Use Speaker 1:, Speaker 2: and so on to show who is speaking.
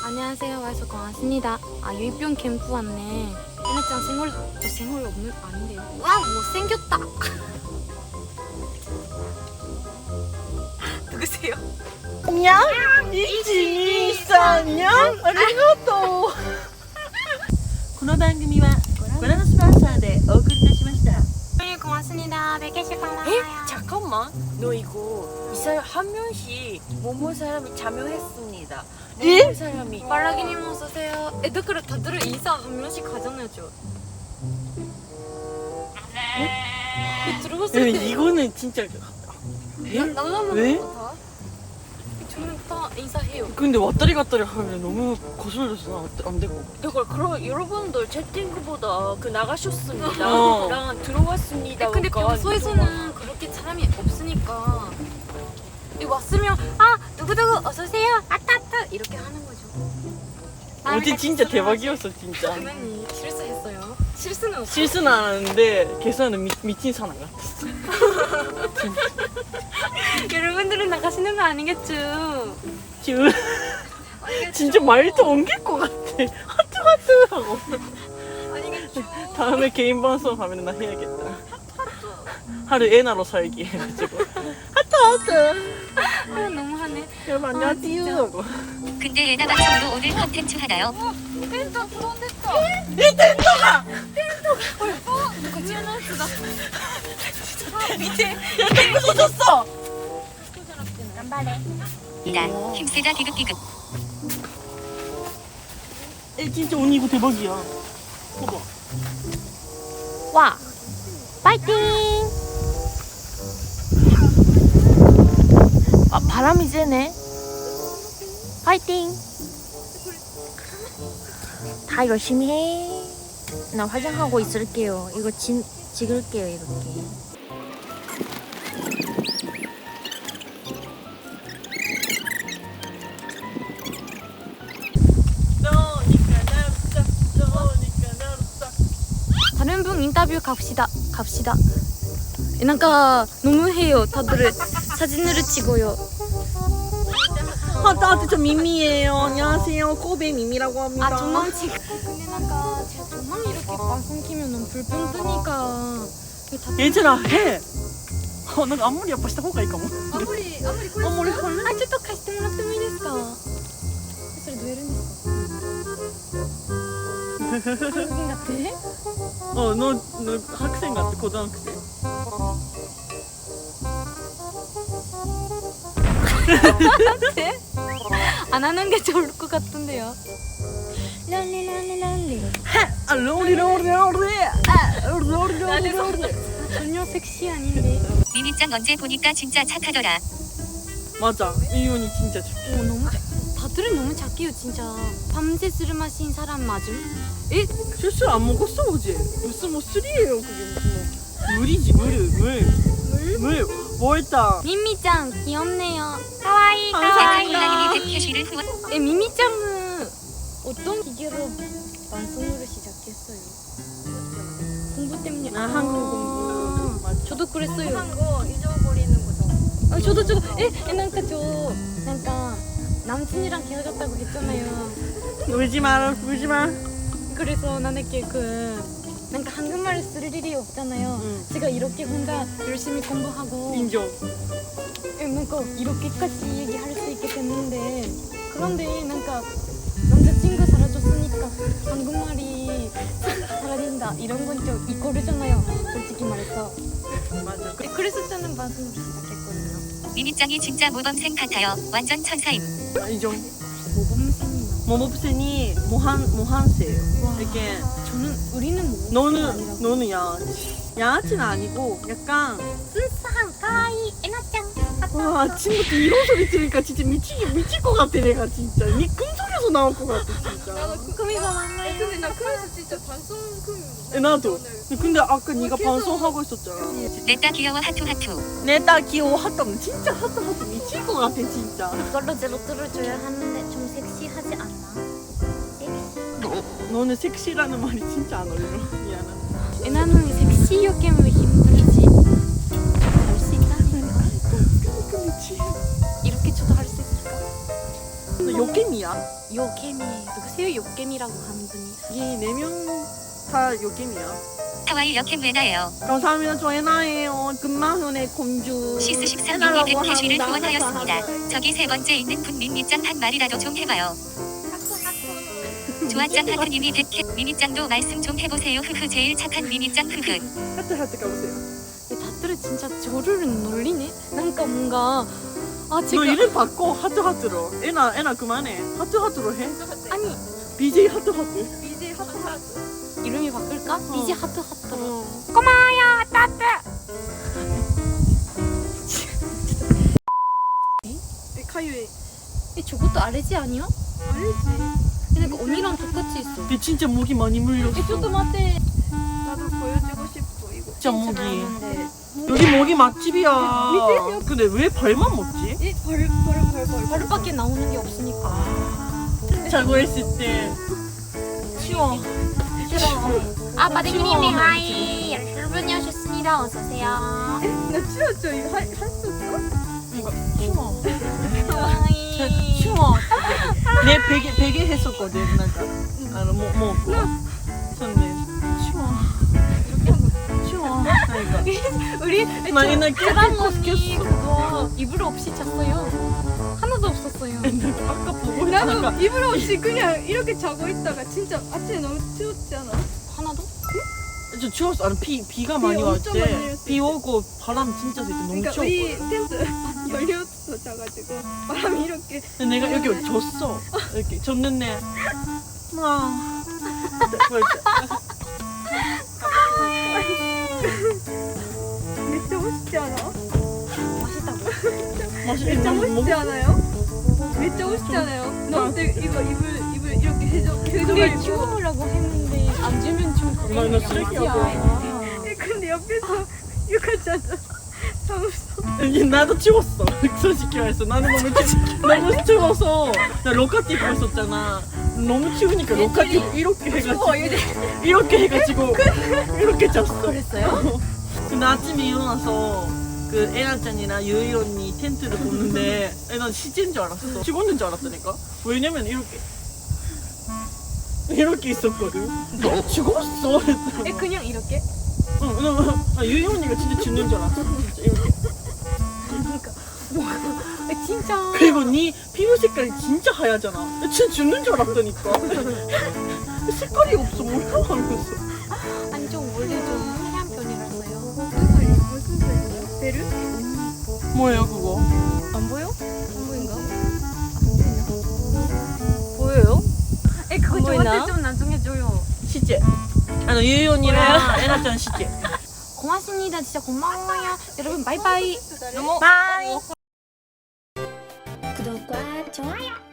Speaker 1: 안녕하세요. 와서 고맙습니다. 아, 유입병 캠프 왔네. 얘네짱 생얼 없는 아닌데요. 와, 못생겼다. 누구세요?
Speaker 2: 안녕? 1,2,3,4ありがとうこの番組はご覧のスポンサーでお送りいたしました
Speaker 1: 네, 고맙습니다. 100개씩 고마워요.
Speaker 2: 잠깐만 너 이거 이 사람 한 명씩 모모 사람이 참여했습니다
Speaker 1: 예?
Speaker 2: 모모 사람이
Speaker 1: 말라기님 어서오세요. 애들 다들 인사 한 명씩 가잖아요. 들어봤을 때
Speaker 2: 이거는 진짜
Speaker 1: 남자만
Speaker 2: 왜?
Speaker 1: 다 저는 다 인사해요.
Speaker 2: 근데 왔다리 갔다리 하면 너무 거슬려서 안 되고
Speaker 3: 그럼 여러분들 채팅보다 그 나가셨습니다.
Speaker 2: 어.
Speaker 3: 랑 들어왔습니다.
Speaker 1: 근데 평소에서는 그렇게 사람이 없으니까 왔으면 아 누구누구 어서오세요 아따따 이렇게 하는 거죠.
Speaker 2: 어제 진짜 대박이었어 진짜
Speaker 1: 당연히 실수했어요. 실수는 없어.
Speaker 2: 실수는 안 하는데 계산은 미친 사람 같았어
Speaker 1: 여러분들은 나가시는 거 아니겠죠?
Speaker 2: 지금 진짜 말도 옮길 것 같아 하트 하고
Speaker 1: 아니겠죠?
Speaker 2: 다음에 개인 방송 하면 나 해야겠다 하루 애나로 살기 해가지고 하트
Speaker 1: 아 너무하네.
Speaker 2: 여러분 안녕하세요 하고
Speaker 4: 근데 예나 방송으로 오늘 컨텐츠 하나요?
Speaker 1: 텐트 부담됐다.
Speaker 2: 이 텐트가
Speaker 1: 같이 하나 쓰다.
Speaker 2: 밑에 탱크 쏟았어
Speaker 4: 이다 힘세다 기급기급.
Speaker 2: 에 진짜 언니 이거 대박이야 봐봐
Speaker 1: 와 파이팅. 아 바람이 세네. 파이팅. 다 열심히 해. 나 화장하고 있을게요. 이거 찍을게요 이렇게. 다른 분 인터뷰 갑시다. 뭔가 너무해요. 다들 사진을 찍어요.
Speaker 2: 나한테 저 미미예요 안녕하세요 코베 미미라고 합니다
Speaker 1: 아 조망 찍. 근데 뭔가 제가 조망 이렇게 방송 키면 너무 불편 뜨니까.
Speaker 2: 얘들아 해なんかあんまりやっぱした方がいいかも
Speaker 1: 아무리これあちょっと貸してもらってもいいですか？それどうやるんですか？韓国같아?
Speaker 2: 너 학생 같아 고등학생
Speaker 1: 안 하는 게 좋을 것 같은데요. 랄리랄리랄리.
Speaker 2: 아 로리로리로리 로리로리로리
Speaker 1: 전혀 섹시 아닌데.
Speaker 4: 미미짱 언제 보니까 진짜 착하더라.
Speaker 2: 맞아 이윤이 진짜 좋아
Speaker 1: 너무 다들은 너무 착해요 진짜. 밤새 술 마신 사람 맞음? 에?
Speaker 2: 실수 안 먹었어 어제 무슨 뭐 술이에요 그게 무슨 뭐 물이지 물 뭘다
Speaker 1: 미미짱 귀엽네요. 가와이
Speaker 4: 대탄콜라님이 백캐시를 후원.
Speaker 1: 미미짱은 어떤 기계로 방송으로 시작했어요? 공부 때문에.
Speaker 2: 한국 공부 맞아
Speaker 1: 저도 그랬어요.
Speaker 3: 거 잊어버리는 거죠.
Speaker 1: 아, 저도 뭔가 뭔가 남친이랑 헤어졌다고 했잖아요.
Speaker 2: 울지마
Speaker 1: 그래서 나는 뭔가 한국말을 쓸 일이 없잖아요.
Speaker 2: 응.
Speaker 1: 제가 이렇게 혼자 열심히 공부하고
Speaker 2: 인정
Speaker 1: 뭔가 이렇게까지 얘기할 수 있게 됐는데 그런데 뭔가 남자친구 사라졌으니까 한국말이 사라진다 이런 건 좀 이거르잖아요. 솔직히 말해서.
Speaker 2: 맞아
Speaker 1: 그래서 저는 방송을 시작했거든요.
Speaker 4: 미미짱이 진짜 모범생 같아요. 완전 천사임.
Speaker 2: 인정
Speaker 1: 모범생이나.
Speaker 2: 모모프센이 모한세예요
Speaker 1: 와.
Speaker 2: 이렇게
Speaker 1: 우리는 모범생
Speaker 2: 너는 양아치는 아니고 약간
Speaker 1: 순수한 가와이 에나짱.
Speaker 2: 와 아침부터 이런 소리 들으니까 진짜 미칠 것 같아 내가 진짜 니 꿈속에서 나올 것 같아 진짜
Speaker 1: 꿈이가 많나요?
Speaker 3: 근데 나 그래서 진짜 방송
Speaker 2: 나도 근데 아까 네가 방송하고 있었잖아
Speaker 4: 냈다 귀여워 하투.
Speaker 2: 내 딸 귀여워 하트면 진짜 하트 미칠 것 같아 진짜
Speaker 1: 이걸로 제로 들어줘야 하는데 좀 섹시하지 않나? 섹시.
Speaker 2: 너는 섹시라는 말이 진짜 안 어울려 미안하다
Speaker 1: 에나는 섹시 요게임을 힘들지. 할 수 있다는 거.
Speaker 2: 그렇지
Speaker 1: 이렇게 저도 할 수 있을까?
Speaker 2: 요게미야?
Speaker 1: 요게미 누구세요? 요게미라고 하는 분이.
Speaker 2: 이 4명 다 요게미야.
Speaker 4: 하와이 여캠 레나예요.
Speaker 2: 감사합니다. 저 에나예요. 금마현의 공주.
Speaker 4: 시스 13님이
Speaker 2: 에나라고
Speaker 4: 100캐시를
Speaker 2: 합니다.
Speaker 4: 후원하였습니다. 저기 세 번째 있는 분 미미짱 한 마리라도 좀 해봐요. 조아짱 하트님이 100캐 미미짱도 말씀 좀 해보세요. 흐흐 제일 착한 미미짱 흐흐.
Speaker 2: 하트 가보세요.
Speaker 1: 이 다들을 진짜 저를 놀리네. 뭔가 아
Speaker 2: 너
Speaker 1: 제가
Speaker 2: 이름 바꿔. 하트로. 에나 그만해. 하트로 해.
Speaker 1: 아니
Speaker 2: BJ 하트.
Speaker 3: BJ 하트.
Speaker 1: 이름이 바꿀까? 비지 하트로.
Speaker 2: 어.
Speaker 1: 고마워요 따뜻.
Speaker 2: 카유에.
Speaker 1: 저것도 아래지 아니야?
Speaker 3: 알지.
Speaker 1: 근데 그 언니랑 똑같이 있어.
Speaker 2: 걔 진짜 목이 많이 물렸어.
Speaker 1: 저도 맞대.
Speaker 3: 나도 보여주고 싶어 이거.
Speaker 2: 진짜 목이. 여기 목이 맛집이야. 근데 왜 발만 먹지?
Speaker 3: 이벌
Speaker 1: 바로밖에 나오는 게 없으니까.
Speaker 2: 자고 있을 때 치워.
Speaker 1: 아 마대님이 하이 여러분이 오셨습니다. 어서 오세요.
Speaker 3: 나 치웠죠 이거 할수 없어?
Speaker 2: 이거 치워.
Speaker 1: 하이.
Speaker 2: 치워. 내 베개 했었거든. 나가. 뭐 선배 치워. 치워. 그러니까.
Speaker 1: 우리
Speaker 2: 나 이날
Speaker 1: 사람
Speaker 2: 깨끗이
Speaker 1: 언니
Speaker 2: 꼈어.
Speaker 1: 그거 이불 없이 잤어요. 하나도 없었어요.
Speaker 2: 아까 보고 있다가
Speaker 3: 나도 이불 없이 그냥 이렇게 자고 있다가 진짜 아침에 너무 추웠지 않아?
Speaker 1: 하나도?
Speaker 2: 저 추웠어. 아니 비가 많이
Speaker 3: 엄청 많이
Speaker 2: 왔대.
Speaker 3: 내렸을
Speaker 2: 비
Speaker 3: 때.
Speaker 2: 오고 바람 진짜 셀 때 너무
Speaker 3: 그러니까
Speaker 2: 추웠거든.
Speaker 3: 우리 텐트 열려서 자가지고 바람이 이렇게
Speaker 2: 근데 내가 이렇게 졌어. 이렇게 졌는데
Speaker 3: 진짜 멋있지 않아?
Speaker 1: 맛있다고.
Speaker 3: 진짜 멋있지 않아요? 진짜 멋있지 않아요? 너한테 이거 이불 이렇게
Speaker 1: 근데
Speaker 3: 해줘가지고
Speaker 1: 주우라고 했는데 안 주면 좀
Speaker 2: 나 쓰레기야.
Speaker 3: 근데 옆에서 욕하잖아. 사무소.
Speaker 2: 이게 나도 치웠어. 솔직히 말해서 나는 너무 추워서 나 로카티 입고 있었잖아. 너무 추우니까 로카티 이렇게 해가지고 이렇게 잤어.
Speaker 1: 그랬어요?
Speaker 2: 근데 아침에 일어나서 그 에나짱이랑 유이 언니 텐트를 보는데 난 시체인 줄 알았어. 죽었는 줄 알았다니까. 왜냐면 이렇게 있었거든. 너 죽었어.
Speaker 1: 그냥 이렇게?
Speaker 2: 응, 유이 언니가 진짜 죽는 줄 알았어. 진짜 이렇게.
Speaker 1: 진짜.
Speaker 2: 그리고 네 피부 색깔이 진짜 하얗잖아. 진짜 죽는 줄 알았다니까. 색깔이 없어. 뭐야 하면서.
Speaker 1: 아니 좀 원래 좀 하얀 편이라서요.
Speaker 3: 무슨 소리야? 베르?
Speaker 2: 뭐예요 그거?
Speaker 1: 안 보여? 안 보인가? 보여요? 그거
Speaker 3: 안 보이나?
Speaker 1: 저한테 좀 나중에 줘요.
Speaker 2: 시제. 유이 언니랑 에나짱 시제.
Speaker 1: 고맙습니다. 진짜 고마워요. 여러분 바이바이.
Speaker 3: 너무
Speaker 2: 바이.
Speaker 1: 구독과 좋아요.